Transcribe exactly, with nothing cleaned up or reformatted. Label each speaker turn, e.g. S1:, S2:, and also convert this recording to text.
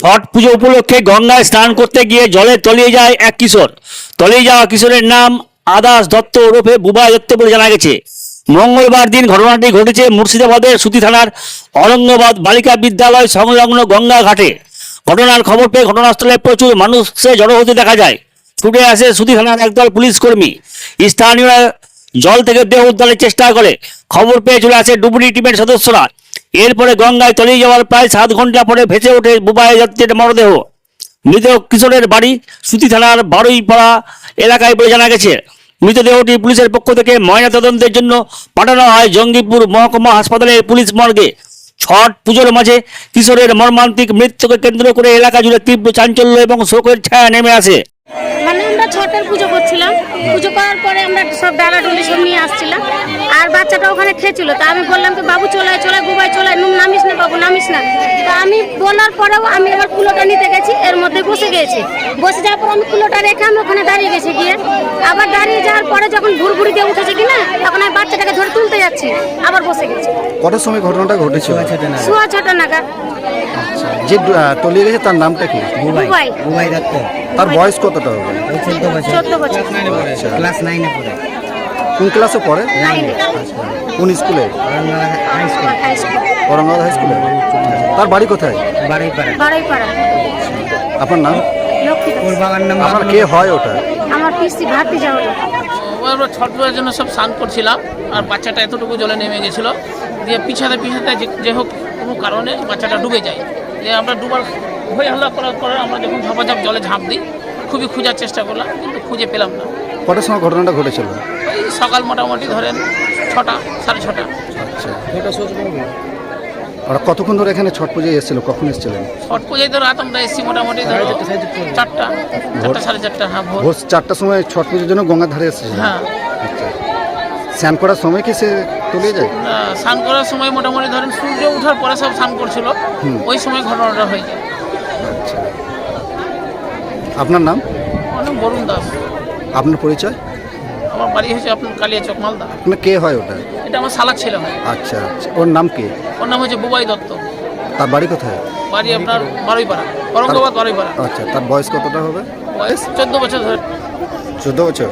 S1: ছট পুজো উপলক্ষে গঙ্গায় স্নান করতে গিয়ে জলে তলিয়ে যায় এক কিশোর। তলিয়ে যাওয়া কিশোরের নাম আদাস দত্ত ওরফে বুবাই দত্ত বলে জানা গেছে। মঙ্গলবার দিন ঘটনাটি ঘটেছে মুর্শিদাবাদের সুতি থানার অরঙ্গাবাদ বালিকা বিদ্যালয় সংলগ্ন গঙ্গা ঘাটে। ঘটনার খবর পেয়ে ঘটনাস্থলে প্রচুর মানুষে জড়ো হতে দেখা যায়। ছুটে আসে সুতি থানার একদল পুলিশ কর্মী। স্থানীয়রা জল থেকে দেহ উদ্ধারের চেষ্টা করে। খবর পেয়ে চলে আসে ডুবুরি টিমের সদস্যরা। এরপরে গঙ্গায় তলিয়ে যাওয়ার প্রায় সাত ঘন্টা পরে ভেসে ওঠে বুবাই দত্তের মরদেহ। মৃত কিশোরের বাড়ি সুতি থানার বারুইপাড়া এলাকায় বলে জানা গেছে। মৃতদেহটি পুলিশের পক্ষ থেকে ময়নাতদন্তের জন্য পাঠানো হয় জঙ্গিপুর মহকুমা হাসপাতালের পুলিশ মর্গে। ছট পুজোর মাঝে কিশোরের মর্মান্তিক মৃত্যুকে কেন্দ্র করে এলাকা জুড়ে তীব্র চাঞ্চল্য এবং শোকের ছায়া নেমে আসে।
S2: মানে আমরা ছটের পুজো করছিলাম, পুজো করার পরে আমরা সব ডালা ডুলি সব নিয়ে আসছিলাম, আর বাচ্চাটা ওখানে খেয়েছিল। তা আমি বললাম কি বাবু চলে চলে বুবাই চলে, নামিস না বাবু নামিস না। তা আমি বলার পরেও আমি আমার কুলোটা নিতে গেছি, এর মধ্যে বসে গেছি। বসে যাওয়ার পর আমি কুলোটা রেখে আমি ওখানে দাঁড়িয়ে গেছি। গিয়ে আবার দাঁড়িয়ে যাওয়ার পরে যখন ঘুরঘুরি দিয়ে উঠেছে কিনা, তখন আমি বাচ্চাটাকে ধরে তুলতে যাচ্ছি, আবার বসে গেছি।
S3: কটার সময় ঘটনাটা ঘটেছিল?
S2: সোয়া ছটা নাগাদ।
S3: যে আহ, তলিয়ে গেছে তার নামটা কি?
S2: বুবাই
S4: বুবাই দত্ত।
S3: তার বয়স কতটা হবে?
S4: চোদ্দ বছর।
S2: চোদ্দ বছর।
S4: ক্লাস নাইনে পড়ে।
S3: কোন ক্লাসে পড়ে?
S2: নাইনে।
S3: কোন স্কুলে?
S4: Aurangabad high school.
S2: High school.
S3: Aurangabad high স্কুলে। তার বাড়ি কোথায়?
S4: বারুইপাড়া।
S2: বারুইপাড়া।
S3: আপনার নাম?
S2: লক্ষ্মী দাস।
S4: ওর বাবার নাম
S3: আপনার কে হয় ওটা?
S2: আমার পিসি ভাতি যাওয়া।
S5: আমরা ছট পূজার জন্য সব স্নান করছিলাম, আর বাচ্চাটা এতটুকু জলে নেমে গেছিল। দিয়ে পিছাতে পিছাতে যে যে হোক কোনো কারণে বাচ্চাটা ডুবে যায়। দিয়ে আমরা ডুবার হয়ে হল্লা করার পরে আমরা যখন ঝাপাঝাপ জলে ঝাঁপ দিই, খুবই খোঁজার চেষ্টা করলাম, কিন্তু খুঁজে পেলাম না।
S3: কটার সময় ঘটনাটা ঘটেছিল?
S5: ওই সকাল মোটামুটি ধরেন ছটা সাড়ে ছটা।
S3: আচ্ছা, ওরা কতক্ষণ ধরে এখানে ছট পুজোয় এসেছিল? কখন এসেছিলেন?
S5: ছট পূজায় তো রাত আমরা এসেছি মোটামুটি ধরো চারটা চারটা সাড়ে চারটা। হ্যাঁ, ভোর।
S3: ভোর চারটার সময় ছট পুজোর জন্য গঙ্গার ধারে এসেছিলেন?
S5: হ্যাঁ।
S3: আচ্ছা, স্নান করার সময় কি সে তলিয়ে যায়?
S5: আহ, স্নান করার সময় মোটামুটি ধরেন সূর্য ওঠার পরে সব স্নান করছিল, ওই সময় ঘটনাটা হয়ে যায়।
S3: আচ্ছা, আপনার নাম?
S5: অনেক বরুণ দাস।
S3: আপনার পরিচয়?
S5: আমার বাড়ি হয়েছে আপনার কালিয়াচক, মালদা।
S3: আপনার কে হয় ওটা?
S5: এটা আমার শালার ছেলে হয়।
S3: আচ্ছা আচ্ছা, ওর নাম কি?
S5: ওর নাম হচ্ছে বুবাই দত্ত।
S3: তার বাড়ি কোথায়?
S5: বাড়ি আপনার বারুইপাড়া, ঔরঙ্গাবাদ বারুইপাড়া।
S3: আচ্ছা, তার বয়স কতটা হবে?
S5: বয়স চোদ্দ বছর ধরে।
S3: চোদ্দ বছর।